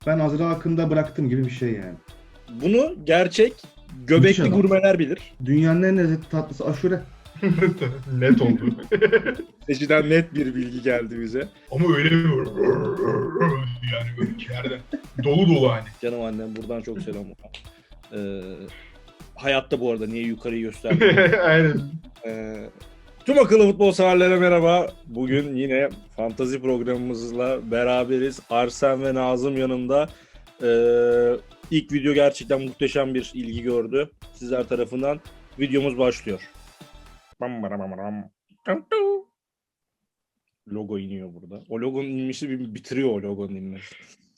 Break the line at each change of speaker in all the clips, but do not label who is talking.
Ben Azra Akın'da bıraktım gibi bir şey yani.
Bunu gerçek
Müthiş
göbekli
adam.
gurmeler bilir.
Dünyanın en lezzetli tatlısı aşure.
Net oldu.
Seçiden net bir bilgi geldi bize.
Ama öyle bir yani böyle içeriden dolu dolu hani.
Canım annem buradan çok selam. Hayatta bu arada niye yukarıyı göstermiyor?
Aynen.
Tüm akıllı futbol severlere merhaba. Bugün yine fantazi programımızla beraberiz. Arsen ve Nazım yanımda. İlk video gerçekten muhteşem bir ilgi gördü. Sizler tarafından videomuz başlıyor. Logo iniyor burada. O logonun inmişi bitiriyor o logonun inmesi.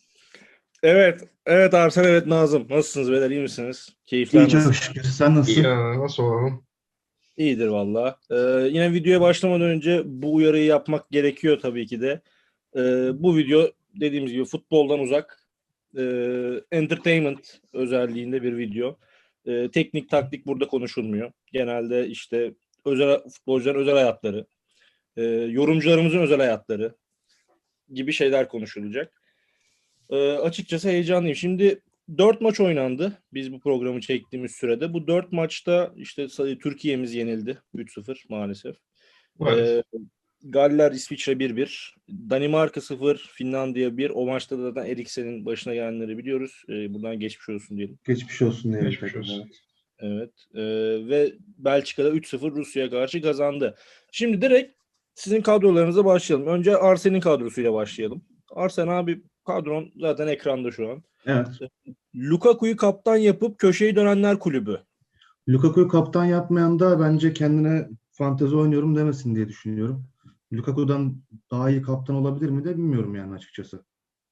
Evet Arsen, evet Nazım. Nasılsınız beyler, iyi misiniz? Keyifler
İyi
nasıl?
çok şükür. Sen nasılsın?
Ya nasıl olalım?
İyidir valla. Yine videoya başlamadan önce bu uyarıyı yapmak gerekiyor tabii ki de. Bu video dediğimiz gibi futboldan uzak, entertainment özelliğinde bir video. Teknik taktik burada konuşulmuyor. Genelde işte futbolcuların özel hayatları, yorumcularımızın özel hayatları gibi şeyler konuşulacak. Açıkçası heyecanlıyım. Şimdi 4 maç oynandı biz bu programı çektiğimiz sürede. Bu 4 maçta işte Türkiye'miz yenildi 3-0 maalesef.
Maalesef.
Galler İsviçre 1-1. Danimarka 0, Finlandiya 1. O maçta da zaten Eriksen'in başına gelenleri biliyoruz. Buradan geçmiş olsun diyelim.
Geçmiş olsun diyelim.
Geçmiş olsun.
Evet. Ve Belçika'da 3-0 Rusya'ya karşı kazandı. Şimdi direkt sizin kadrolarınıza başlayalım. Önce Arsen'in kadrosuyla başlayalım. Arsen abi, kadron zaten ekranda şu an.
Evet.
Lukaku'yu kaptan yapıp köşeyi dönenler kulübü.
Lukaku'yu kaptan yapmayan da bence kendine fantezi oynuyorum demesin diye düşünüyorum. Lukaku'dan daha iyi kaptan olabilir mi de bilmiyorum yani açıkçası.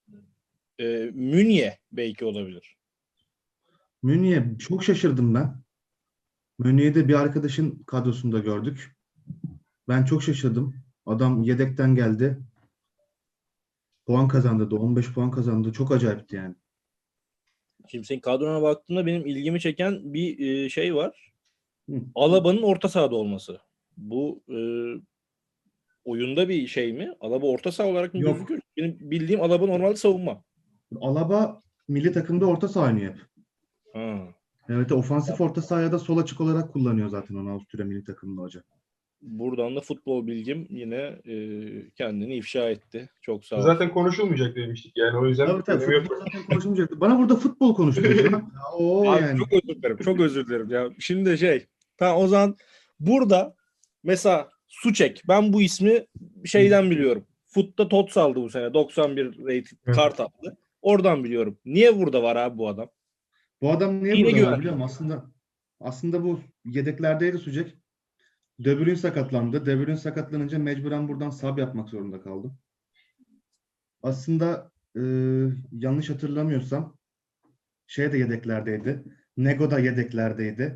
Münye belki olabilir.
Münih'e çok şaşırdım ben. Münih'i de bir arkadaşın kadrosunda gördük. Ben çok şaşırdım. Adam yedekten geldi. Puan kazandı da 15 puan kazandı. Çok acayipti yani.
Şimdi senin kadrona baktığımda benim ilgimi çeken bir şey var.
Hı.
Alaba'nın orta sahada olması. Bu oyunda bir şey mi? Alaba orta saha olarak mı
Yok.
gözüküyor? Benim bildiğim Alaba normalde savunma.
Alaba milli takımda orta saha oynuyor hep.
Ha.
Evet, ofansif orta sahaya da sol açık olarak kullanıyor zaten onu Avusturya milli takımında hoca.
Buradan da futbol bilgim yine kendini ifşa etti. Çok sağ ol.
Zaten konuşulmayacak demiştik yani o yüzden
Tabii
önemi yok.
futbol zaten konuşulmayacaktı. Bana burada futbol konuşturacak. O
Abi
yani.
çok özür dilerim. Çok özür dilerim ya. Şimdi tamam o zaman burada mesela Suçek. Ben bu ismi şeyden biliyorum. Futta TOTS aldı bu sene. 91 rated
Evet.
kart aldı. Oradan biliyorum. Niye burada var abi bu adam?
Bu adam niye
Yine
burada var
güven.
biliyor musun? Aslında bu yedeklerdeydi Sucek. De Bruyne sakatlandı. De Bruyne sakatlanınca mecburen buradan sub yapmak zorunda kaldım. Aslında yanlış hatırlamıyorsam de yedeklerdeydi. Nego da yedeklerdeydi.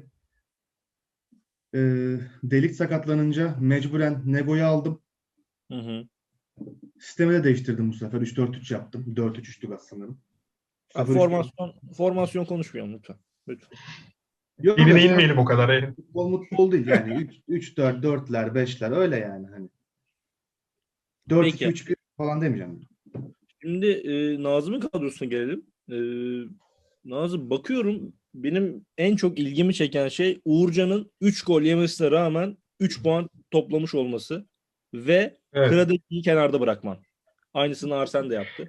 Delik sakatlanınca mecburen Nego'yu aldım.
Hı hı.
Sistemi de değiştirdim bu sefer. 3-4-3 yaptım. 4-3-3'tü gaz sanırım.
Abi
0-3-4.
formasyon konuşmayalım lütfen. Lütfen.
Yok
Birine
öyle
inmeyelim o kadar.
futbol değil yani. 3-4, 4'ler, 5'ler öyle yani hani.
Peki.
4-2-3-1 falan demeyeceğim.
Şimdi Nazım'ın kadrosuna gelelim. Nazım, bakıyorum benim en çok ilgimi çeken şey Uğurcan'ın 3 gol yemesine rağmen 3 puan toplamış olması ve
Evet.
Kradeki'yi kenarda bırakman. Aynısını Arsen de yaptı.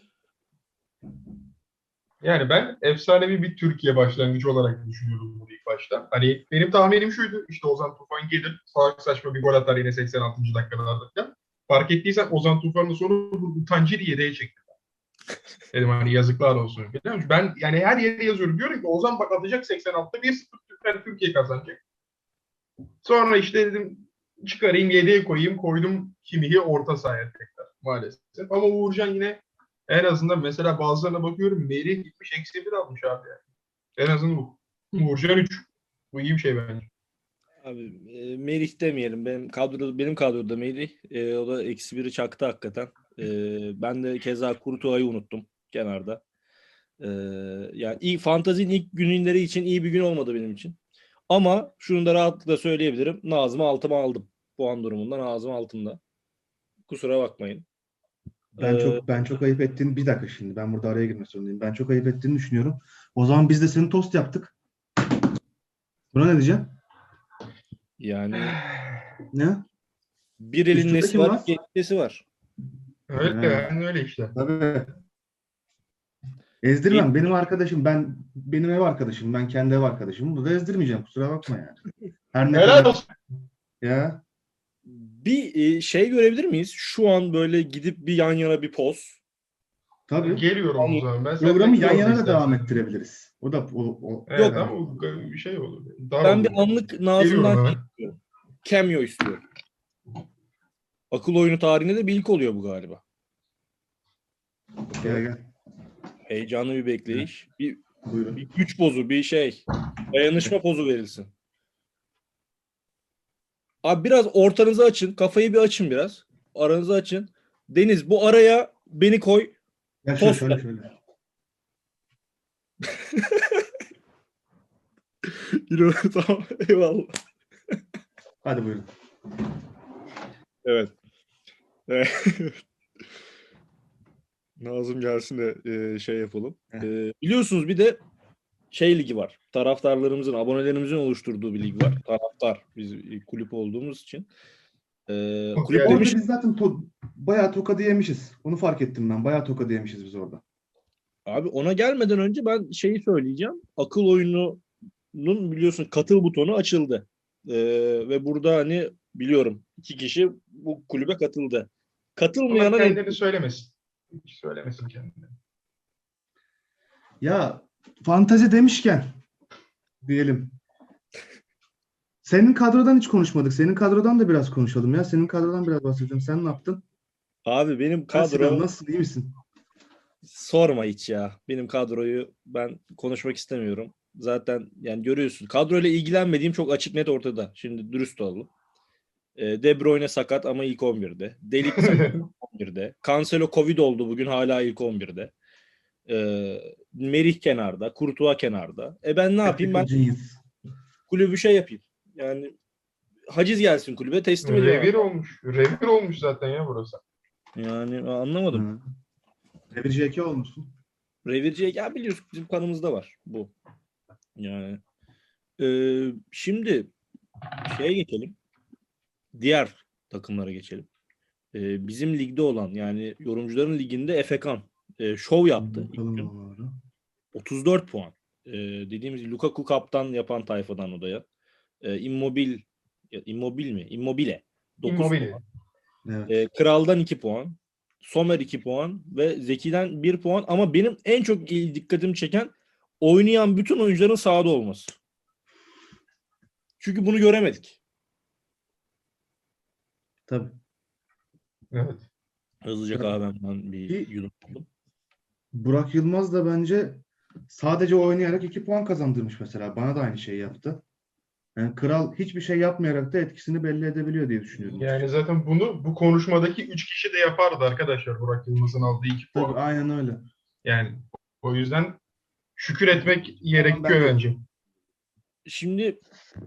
Yani ben efsanevi bir Türkiye başlangıcı olarak düşünüyordum bunu ilk başta. Hani benim tahminim şuydu. İşte Ozan Tufan gelir. Salak saçma bir gol atar yine 86. dakikalarda falan. Fark ettiysen Ozan Tufan'ın sonra bu Utancı'yı yedeğe çekti. Dedim hani yazıklar olsun. Ben yani her yere yazıyorum. Diyorum ki Ozan bak atacak 86'da 1-0 Türkiye kazanacak. Sonra işte dedim çıkarayım yedeğe koyayım. Koydum Kimi'yi orta sahaya tekrar maalesef. Ama Uğurcan yine en azından mesela bazılarına bakıyorum Merih gitmiş -1 almış abi yani. En azından bu. Uğurcan 3. Bu iyi bir şey bence.
Abi Merih demeyelim. Benim kadroda Merih. O da -1'i çaktı hakikaten. Ben de keza Kurtuğa'yı unuttum kenarda. Yani fantazinin ilk günleri için iyi bir gün olmadı benim için. Ama şunu da rahatlıkla söyleyebilirim. Nazım'ı altıma aldım. Puan durumunda Nazım altımda. Kusura bakmayın.
Ben çok ayıp ettiğini, bir dakika şimdi ben burada araya girmek zorundayım. Ben çok ayıp ettiğini düşünüyorum. O zaman biz de senin tost yaptık. Buna ne diyeceğim?
Yani
Ne?
bir elin
Üstünde
nesi
kim
var,
var?
iki elin nesi var.
Öyle
Ha,
yani öyle işte.
tabii. Ezdirmem. Benim ev arkadaşım. Ben kendi ev arkadaşımı burada ezdirmeyeceğim. Kusura bakma yani. Her ne
Helal
kadar
olsun.
ya
Bir şey görebilir miyiz? Şu an böyle gidip bir yan yana bir poz.
tabii
Geliyorum o zaman. Ben
programı
senden
yan yana da
istersen.
devam ettirebiliriz. O da o
Evet
Yok,
ama o bir şey olur. Dar
ben
olur.
bir anlık
Geliyorum
Nazım'dan
hemen.
istiyorum. Cameo istiyorum. Akıl oyunu tarihinde de bir ilk oluyor bu galiba.
gel.
Heyecanlı bir bekleyiş. Bir
Buyurun.
güç pozu, bir şey. Dayanışma pozu verilsin. Abi biraz ortanızı açın. Kafayı bir açın biraz. Aranızı açın. Deniz, bu araya beni koy.
Gel
Tost
şöyle.
Tamam. Eyvallah.
Hadi buyurun.
Evet. Nazım gelsin de şey yapalım. Biliyorsunuz bir de şey ligi var. Taraftarlarımızın, abonelerimizin oluşturduğu bir lig var. Taraftar. Biz kulüp olduğumuz için. Kulüp
Yani-
demiş
Orada biz zaten bayağı tokadı yemişiz. Onu fark ettim ben. Bayağı tokadı yemişiz biz orada.
abi, ona gelmeden önce ben şeyi söyleyeceğim. Akıl oyununun biliyorsun katıl butonu açıldı. Ve burada hani biliyorum 2 kişi bu kulübe katıldı.
Ama
Katılmayana ne?
kendini söylemesin. Hiç söylemesin kendini.
Ya fantazi demişken diyelim. Senin kadrodan hiç konuşmadık. Senin kadrodan da biraz konuşalım ya. Senin kadrodan biraz bahsedelim. Sen ne yaptın?
Abi benim
Sinan,
kadro
nasılsın? İyi misin?
sorma hiç ya. Benim kadroyu ben konuşmak istemiyorum. Zaten yani görüyorsun. Kadroyla ilgilenmediğim çok açık net ortada. Şimdi dürüst olalım. De Bruyne sakat ama ilk 11'de. Delik sakat 11'de. Cancelo Covid oldu bugün hala ilk 11'de. Merih kenarda. Courtois kenarda. Ben ne yapayım? Ben
Tactical genius.
kulübü şey yapayım. Yani haciz gelsin kulübe teslim ediyorum.
Revir olmuş. Revir olmuş zaten ya burası.
Yani anlamadım.
Hı. Devir JK olmuşsun.
Revirciye ya biliyorsun bizim kanımızda var bu. Yani şimdi şeye geçelim. Diğer takımlara geçelim. Bizim ligde olan yani yorumcuların liginde Efekan şov yaptı. ilk
Bakalım
gün.
onları.
34 puan. Dediğimiz gibi Lukaku kaptan yapan tayfadan odaya. Immobile mi? Immobile. 9
Immobile.
puan.
Evet.
Kral'dan 2 puan. Sommer 2 puan ve Zeki'den 1 puan ama benim en çok dikkatimi çeken oynayan bütün oyuncuların sahada olması. Çünkü bunu göremedik.
Tabii.
Evet.
Hızlıca kahvemden bir
Bir-
yudum aldım.
Burak Yılmaz da bence sadece oynayarak 2 puan kazandırmış mesela. Bana da aynı şeyi yaptı. Yani Kral hiçbir şey yapmayarak da etkisini belli edebiliyor diye düşünüyorum.
Yani zaten bunu bu konuşmadaki 3 kişi de yapardı arkadaşlar. Burak Yılmaz'ın aldığı 2
Tabii
puan.
aynen öyle.
Yani o yüzden şükür etmek gerekiyor
ben de-
bence.
Şimdi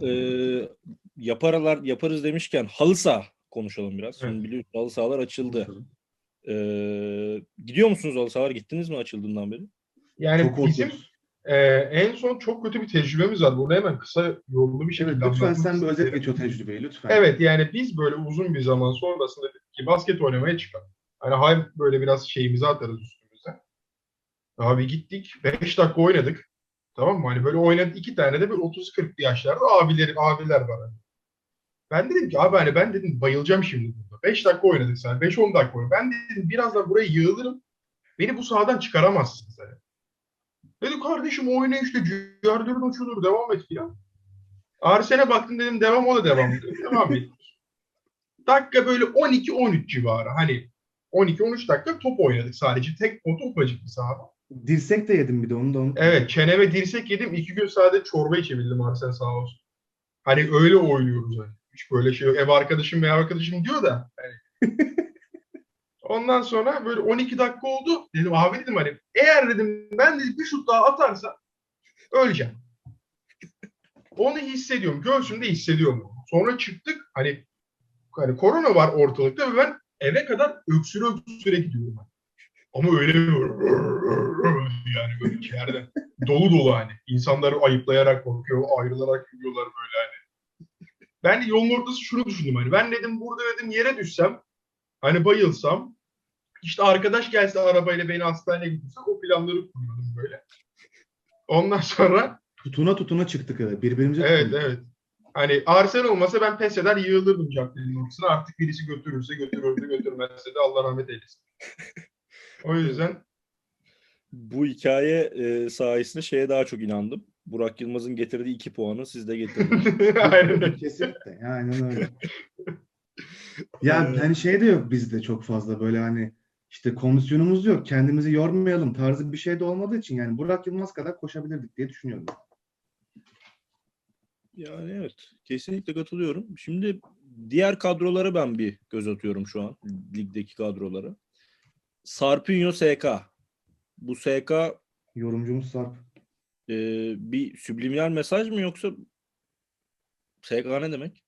yaparız demişken halı saha konuşalım biraz. Şimdi
Evet.
biliyorsunuz halı sahalar açıldı. Gidiyor musunuz halı sahalar? Gittiniz mi açıldığından beri?
Yani
Çok
bizim
korkuyoruz.
en son çok kötü bir tecrübemiz var. Bunu hemen kısa yollu bir şekilde
Evet, lütfen
anlatmak
sen bir özet
isterim.
geç o tecrübeyi lütfen.
Evet yani biz böyle uzun bir zaman sonrasında dedik ki basket oynamaya çıkalım. Hani hay böyle biraz şeyimizi atarız üstümüze. Abi gittik 5 dakika oynadık. Tamam mı? Hani böyle oynadık 2 tane de böyle 30-40 yaşlarda abiler var. Hani. Ben dedim ki abi hani ben dedim bayılacağım şimdi burada. 5 dakika oynadık sen. 5-10 dakika oynadık. Ben dedim birazdan buraya yığılırım. Beni bu sahadan çıkaramazsın sen. Dedi kardeşim oyna işte cüyardırın uçulur devam et filan. Arsen'e baktım dedim devam o da devam ediyor. Devam et. Dakika böyle 12-13 civarı. Hani 12-13 dakika top oynadık sadece. Tek pot ufacık bir sahada.
Dirsek de yedim bir de onu da unutma.
Evet çeneme dirsek yedim. 2 gün sadece çorba içebildim Arsen sağ olsun. Hani öyle oynuyoruz hani. Hiç böyle şey yok. Ev arkadaşım diyor da. Hani. Ondan sonra böyle 12 dakika oldu. Dedim abi dedim hani eğer dedim ben dedim bir şut daha atarsa öleceğim. Onu hissediyorum. Göğsümde hissediyorum. Sonra çıktık. Hani korona var ortalıkta ve ben eve kadar öksüre öksüre gidiyorum ben. Ama öyle yani böyle içeriden. Dolu dolu hani. İnsanları ayıplayarak korkuyor, ayrılarak yürüyorlar böyle hani. Ben de yolun ortası şunu düşündüm hani. Ben dedim burada dedim yere düşsem, hani bayılsam, işte arkadaş gelse arabayla beni hastaneye götürse o planları kuruyordum böyle. Ondan sonra
Tutuna tutuna çıktık eve. Birbirimize
evet
tutunduk.
evet. Hani Arsen olmasa ben pes eder yığılırdım caddenin ortasına. Artık birisi götürürse götürürdü, götürmezse de Allah rahmet eylesin. O yüzden
Bu hikaye sayesinde şeye daha çok inandım. Burak Yılmaz'ın getirdiği 2 puanı siz de getirdiniz.
aynen öyle.
Kesinlikle. Aynen öyle. Ya hani şey de yok bizde çok fazla böyle hani işte kondisyonumuz yok. Kendimizi yormayalım tarzı bir şey de olmadığı için yani Burak Yılmaz kadar koşabilirdik diye düşünüyorum.
Yani evet. Kesinlikle katılıyorum. Şimdi diğer kadrolara ben bir göz atıyorum şu an. Ligdeki kadrolara. Sarpinho SK. Bu SK
Yorumcumuz Sarp.
bir subliminal mesaj mı yoksa SK ne demek?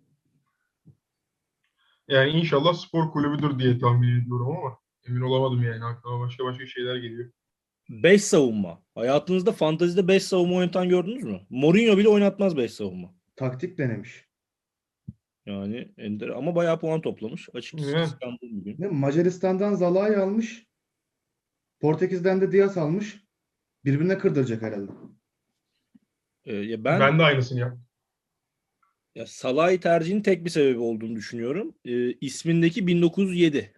Yani inşallah spor kulübüdür diye tahmin ediyorum ama emin olamadım yani. Aklıma başka şeyler geliyor.
5 savunma. Hayatınızda fantazide 5 savunma oynatan gördünüz mü? Mourinho bile oynatmaz 5 savunma.
Taktik denemiş.
Yani ender ama bayağı puan toplamış. Açıkçası
Evet.
kıskandım bugün.
Ve Macaristan'dan Zalai almış. Portekiz'den de Diaz almış. Birbirine kırdıracak herhalde.
Ya
Ben de aynısını yaptım.
ya Salah'ı tercihin tek bir sebebi olduğunu düşünüyorum. İsmindeki 1907.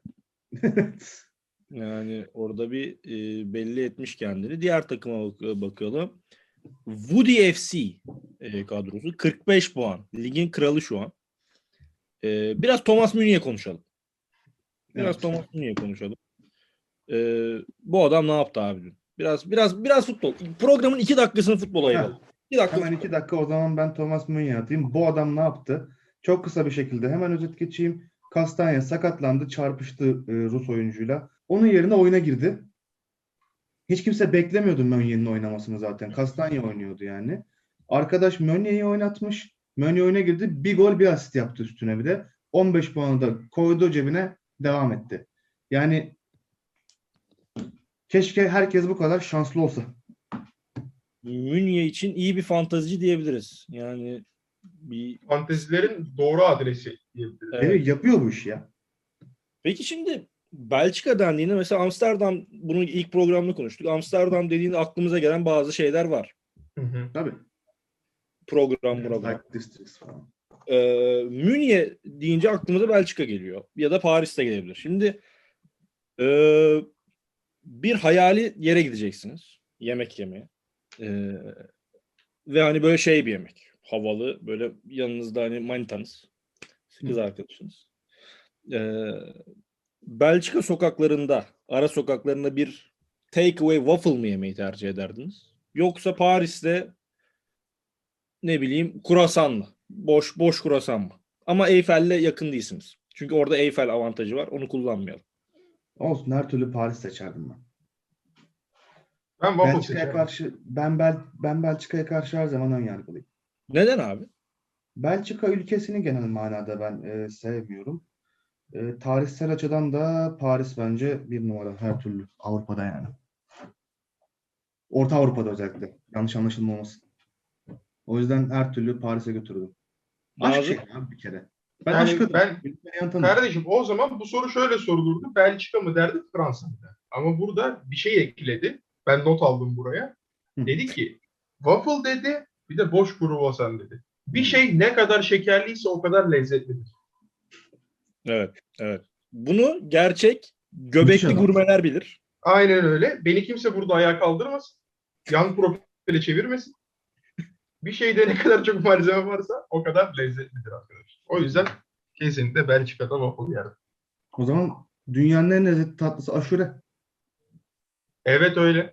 Yani orada bir belli etmiş kendini. Diğer takıma bakalım. Woody FC kadrosu 45 puan. Ligin kralı şu an. Biraz Thomas Müni'ye konuşalım.
Evet.
Thomas Müni'ye konuşalım. Bu adam ne yaptı abi dün? Biraz futbol. Programın 2 dakikasını futbola ayıralım. 2 dakika
Hemen
futbol.
2 dakika o zaman ben Thomas Müny'e atayım. Bu adam ne yaptı? Çok kısa bir şekilde hemen özet geçeyim. Kastanya sakatlandı, çarpıştı Rus oyuncuyla. Onun yerine oyuna girdi. Hiç kimse beklemiyordu Meunier'in oynamasını zaten. Kastanya oynuyordu yani. Arkadaş Meunier'i oynatmış. Meunier oyuna girdi. Bir gol bir asist yaptı üstüne bir de. 15 puanı da koydu cebine, devam etti. Yani keşke herkes bu kadar şanslı olsa.
Münye için iyi bir fantazici diyebiliriz. Yani bir
Fantezilerin doğru adresi diyebiliriz.
evet.
Evet, yapıyor bu işi ya.
Peki şimdi Belçika dendiğinde mesela Amsterdam, bunu ilk programda konuştuk. Amsterdam dediğinde aklımıza gelen bazı şeyler var.
Hı hı.
Tabii.
Program.
Like Districts falan.
Münye deyince aklımıza Belçika geliyor. Ya da Paris'te gelebilir. Şimdi bir hayali yere gideceksiniz. Yemek yemeye. Ve hani böyle şey bir yemek. Havalı. Böyle yanınızda hani manitanız. Kız arkadaşınız. Belçika sokaklarında, ara sokaklarında bir takeaway waffle mı yemeyi tercih ederdiniz? Yoksa Paris'te ne bileyim kruvasan mı? Boş kruvasan mı? Ama Eyfel'le yakın değilsiniz. Çünkü orada Eyfel avantajı var. Onu kullanmayalım.
Olsun, her türlü Paris seçerdim ben.
Ben waffle
Belçika'ya
seçerim.
karşı ben Belçika'ya karşı her zaman ön yargılıyım.
Neden abi?
Belçika ülkesini genel manada ben sevmiyorum. Tarihsel açıdan da Paris bence bir numara her türlü Avrupa'da yani. Orta Avrupa'da özellikle. Yanlış anlaşılma olmasın. O yüzden her türlü Paris'e götürdüm. Aşk
Nazım?
şey abi bir kere. Ben
Yani
aşk adamım.
ben
Beni tanır.
kardeşim o zaman bu soru şöyle sorulurdu. Belçika mı derdi, Fransa mı derdi? Ama burada bir şey ekledi. Ben not aldım buraya.
Hı.
Dedi ki waffle dedi, bir de boş kruvasan dedi. Bir
Hı.
şey ne kadar şekerliyse o kadar lezzetlidir.
Evet. Bunu gerçek
Müthiş
göbekli
adam.
gurmeler bilir.
Aynen öyle. Beni kimse burada ayağa kaldırmasın. Yan profile çevirmesin. Bir şeyde ne kadar çok malzeme varsa o kadar lezzetlidir arkadaşlar. O yüzden kesinlikle Belçika'da waffle yerim.
O zaman dünyanın en lezzetli tatlısı aşure.
Evet öyle.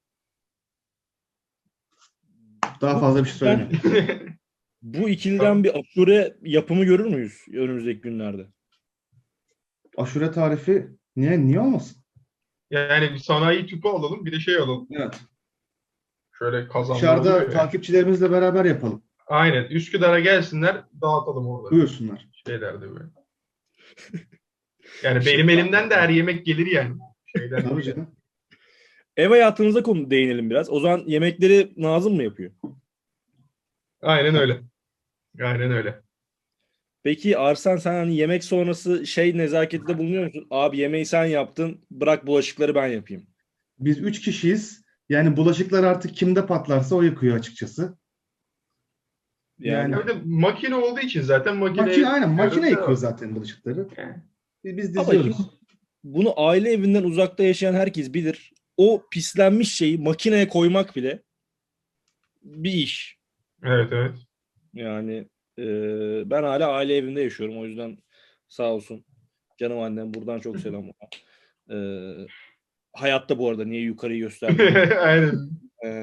Daha fazla bir şey söylemiyorum.
Bu ikiliden bir aşure yapımı görür müyüz önümüzdeki günlerde?
Aşure tarifi niye olmasın?
Yani bir sanayi tüpü alalım, bir de şey alalım.
Evet.
Şöyle kazanlar
Dışarıda
oluyor ya.
takipçilerimizle beraber yapalım.
Aynen. Üsküdar'a gelsinler, dağıtalım orada.
Buyursunlar.
Şeylerde böyle. Yani benim elimden de her yemek gelir yani. Şeyden
Tabii
değil.
canım.
Ev hayatınıza konu değinelim biraz. O zaman yemekleri Nazım mı yapıyor?
Aynen öyle. Aynen öyle.
Peki Arslan, sen hani yemek sonrası nezaketinde bulunuyor musun? Abi yemeği sen yaptın, bırak bulaşıkları ben yapayım.
Biz 3 kişiyiz. Yani bulaşıklar artık kimde patlarsa o yıkıyor açıkçası.
Yani
Ya bir de makine olduğu için zaten
Makine,
makineye
aynen makine
diyoruz,
yıkıyor
devam.
zaten bulaşıkları.
Yani.
Biz
ama şimdi
diziyoruz.
bunu aile evinden uzakta yaşayan herkes bilir. O pislenmiş şeyi makineye koymak bile bir iş.
Evet, evet.
Yani ben hala aile evinde yaşıyorum. O yüzden sağ olsun canım annem, buradan çok selam ona. Hayatta bu arada, niye yukarıyı göstermiyorum.
Aynen.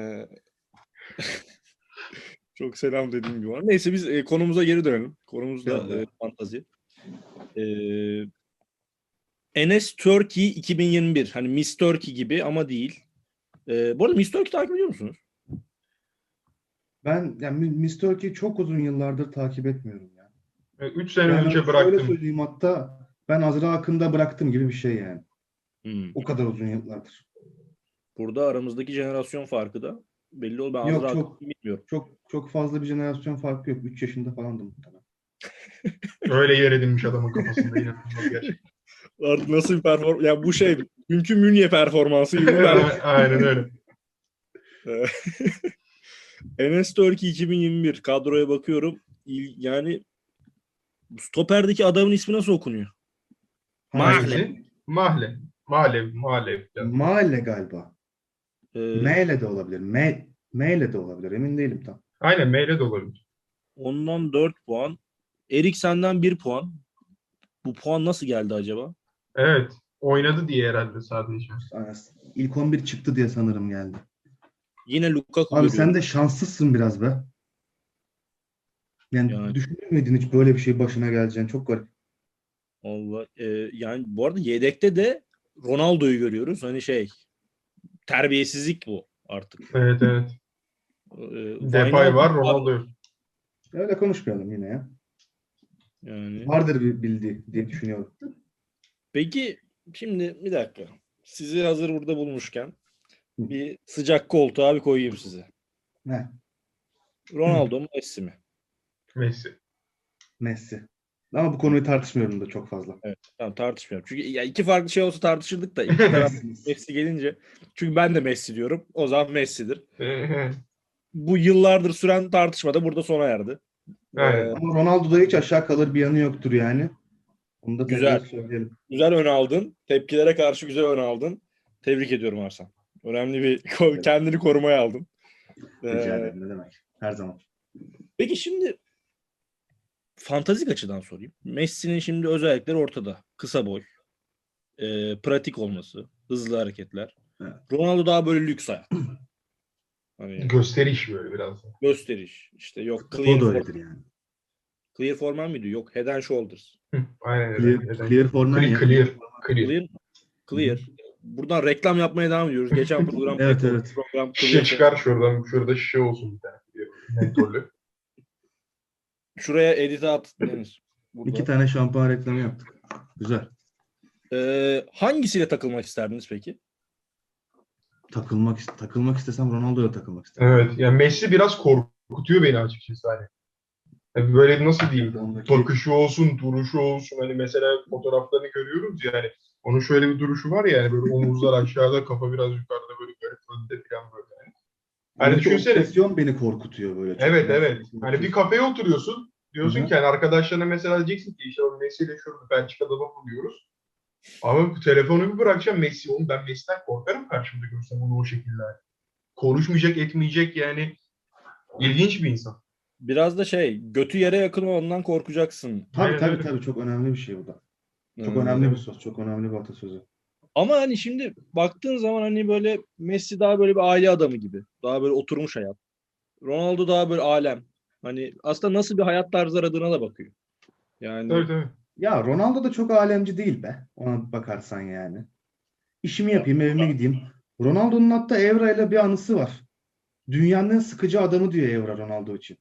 Çok selam dediğim gibi var. Neyse biz konumuza geri dönelim. Konumuz da
Tamam.
fantazi. Enes Turkey 2021. Hani Miss Turkey gibi ama değil. Bu arada Miss Turkey takip ediyor musunuz?
Ben yani Miss Turkey'i çok uzun yıllardır takip etmiyorum ya.
3 sene
Yani
önce
şöyle
bıraktım.
söyleyeyim, hatta ben Azra Akın'da bıraktım gibi bir şey yani.
Hmm.
O kadar uzun yıllardır.
Burada aramızdaki jenerasyon farkı da belli oldu. Ben
Yok,
Azra
çok
Akın'ı bilmiyorum.
çok fazla bir jenerasyon farkı yok. 3 yaşında falandım muhtemelen.
Öyle yer edinmiş adamın kafasında, inanılmaz gerçekten.
Artık nasıl bir performans? Ya bu dünkü Münye performansı gibi bir
Aynen öyle.
Enes Turkey 2021 kadroya bakıyorum. Yani stoperdeki adamın ismi nasıl okunuyor?
Hangisi?
Mahle.
Mahle. Malev.
Mahalle galiba.
Ee,
M ile de olabilir. M ile de olabilir. Emin değilim tam.
Aynen, Meyle de olabilir.
ondan 4 puan. Erik senden 1 puan. Bu puan nasıl geldi acaba?
Evet. Oynadı diye herhalde sadece.
İlk 11 çıktı diye sanırım geldi.
Yine Lukaku
Abi sen
görüyorum.
de şanslısın biraz be. Yani
Yani
düşünür müydün hiç böyle bir şey başına geleceğini? Çok garip.
Allah, yani bu arada yedekte de Ronaldo'yu görüyoruz. Hani terbiyesizlik bu artık.
Evet, evet. Depay
Wijnaldum
var, Ronaldo yok.
Öyle konuşmayalım yine ya.
yani.
Vardır bir bildiği diye düşünüyorum.
Peki şimdi bir dakika. Sizi hazır burada bulmuşken bir sıcak koltuğa bir koyayım size.
Ne?
Ronaldo mu Messi mi?
Messi.
Messi. Ama bu konuyu tartışmıyorum da çok fazla.
Evet, tamam, tartışmıyorum. Çünkü ya iki farklı şey olsa tartışırdık da iki taraf Messi gelince, çünkü ben de Messi diyorum. O zaman Messi'dir. Bu yıllardır süren tartışma da burada sona erdi.
Aynen.
Ama Ronaldo'da hiç aşağı kalır bir yanı yoktur yani. Onu da tekrar
Güzel.
söyleyelim.
Güzel ön aldın. Tepkilere karşı güzel ön aldın. Tebrik ediyorum Arslan. Önemli bir kendini korumaya aldın.
Rica ederim, ne demek. Her zaman.
Peki şimdi fantastik açıdan sorayım. Messi'nin şimdi özellikleri ortada. Kısa boy, pratik olması, hızlı hareketler.
Evet.
Ronaldo daha böyle lüks hayat. Hani
Gösteriş böyle biraz.
gösteriş. İşte yok
O da öyledir yani.
clear forman mıydı? Yok head and shoulders.
Aynen öyle.
Clear forman ya.
Clear.
Clear. Buradan reklam yapmaya devam ediyoruz. Geçen program
Evet,
Beko,
evet.
program
Şişe
Clear.
çıkar şuradan. Şurada şişe olsun bir tane. Mentollü.
Şuraya edit'e at Deniz. Burada.
2 tane şampuan reklamı yaptık. Güzel.
Hangisiyle takılmak isterdiniz peki?
Takılmak istesem Ronaldo'ya takılmak isterdim.
Evet. Yani Messi biraz korkutuyor beni açıkçası hani. Yani böyle nasıl diyeyim?
Ondaki
Bakışı olsun, duruşu olsun. Hani mesela fotoğraflarını görüyoruz yani. Onun şöyle bir duruşu var ya, yani böyle omuzlar aşağıda, kafa biraz yukarıda, böyle garip önde falan böyle. Yani. Hani düşünsene.
obsesyon beni korkutuyor böyle çok.
Evet,
Yani.
evet. Hani bir kafeye oturuyorsun. Diyorsun
Hı-hı.
ki hani arkadaşlarına mesela diyeceksin ki işte o Messi ile şurada Belçika'da buluyoruz. Ama telefonu bir bırakacağım, Messi. Oğlum ben Messi'den korkarım karşımda görsem onu o şekilde. Konuşmayacak, etmeyecek yani. İlginç bir insan.
Biraz da götü yere yakın olandan korkacaksın.
Aynen öyle.
Tabii çok önemli bir şey bu da. Çok
Ee,
önemli bir söz, çok önemli bir atasözü.
Ama hani şimdi baktığın zaman hani böyle Messi daha böyle bir aile adamı gibi. Daha böyle oturmuş hayat. Ronaldo daha böyle alem. Hani aslında nasıl bir hayat tarzı aradığına da bakıyor. Yani
Tabii.
Ya Ronaldo da çok alemci değil be. Ona bakarsan yani. İşimi yapayım, evime gideyim. Ronaldo'nun hatta Evra ile bir anısı var. Dünyanın en sıkıcı adamı diyor Evra Ronaldo için.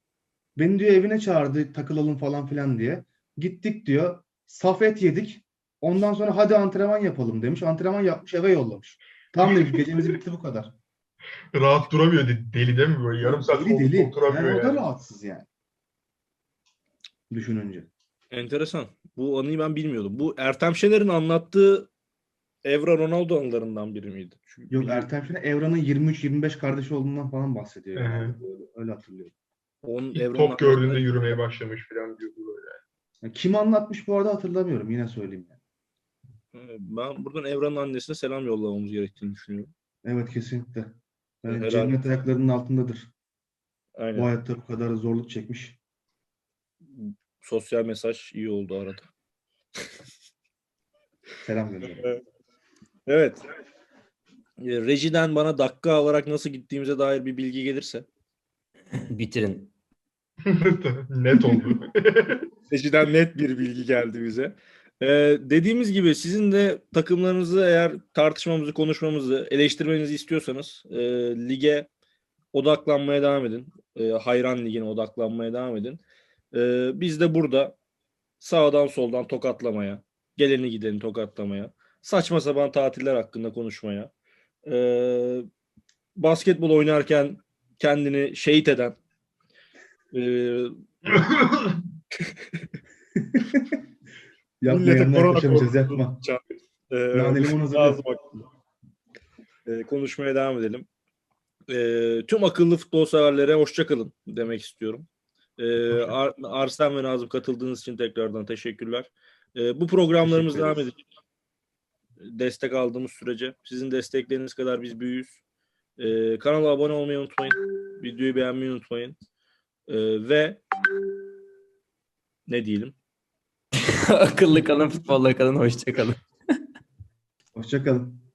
Beni diyor evine çağırdı takılalım falan filan diye. Gittik diyor. Saf et yedik. Ondan sonra hadi antrenman yapalım demiş. Antrenman yapmış, eve yollamış. Tamam demiş, gecemiz bitti, bu kadar.
Rahat duramıyor deli değil mi böyle? Yarım saat
Deli
koltukta
deli.
oturamıyor
Yani o da
yani.
rahatsız yani. Düşününce.
Enteresan. Bu anıyı ben bilmiyordum. Bu Ertem Şener'in anlattığı Evra Ronaldo anılarından biri miydi? Çünkü
Yok,
biliyorum.
Ertem Şener Evran'ın 23-25 kardeşi olduğundan falan bahsediyor
Hı hı.
genelde. Öyle hatırlıyorum.
Onun
İlk
Evra'nın
top gördüğünde
annesine-
yürümeye başlamış falan diyordu böyle.
Ya kim anlatmış bu arada hatırlamıyorum. Yine söyleyeyim yani.
Ben buradan Evra'nın annesine selam yollamamız gerektiğini düşünüyorum.
Evet, kesinlikle. Yani
Herhalde.
cennet ayaklarının altındadır. Bu
Aynen.
hayatta bu kadar zorluk çekmiş.
Sosyal mesaj iyi oldu arada.
Selam gönderiyorum.
Evet. Rejiden bana dakika olarak nasıl gittiğimize dair bir bilgi gelirse.
Bitirin.
Net oldu.
Rejiden net bir bilgi geldi bize. Dediğimiz gibi sizin de takımlarınızı eğer tartışmamızı, konuşmamızı, eleştirmenizi istiyorsanız lige odaklanmaya devam edin. Hayran Ligi'ne odaklanmaya devam edin. Biz de burada sağdan soldan tokatlamaya, geleni gideni tokatlamaya, saçma sapan tatiller hakkında konuşmaya, basketbol oynarken kendini şehit eden,
Yapma,
millete
yanına
korona
yaklaşamayacağız,
korkusu
yapma.
uçan,
Nane limon hazırla.
lazım hakkında. Konuşmaya devam edelim. Tüm akıllı futbol severlere hoşça kalın demek istiyorum. Arslan ve Nazım katıldığınız için tekrardan teşekkürler. Bu programlarımız
Teşekkür
devam
ederiz.
edecek. Destek aldığımız sürece. Sizin destekleriniz kadar biz büyüyüz. Kanala abone olmayı unutmayın. Videoyu beğenmeyi unutmayın. Ve ne diyelim?
Akıllı kalın, futbolla kalın, hoşça kalın.
Hoşça kalın.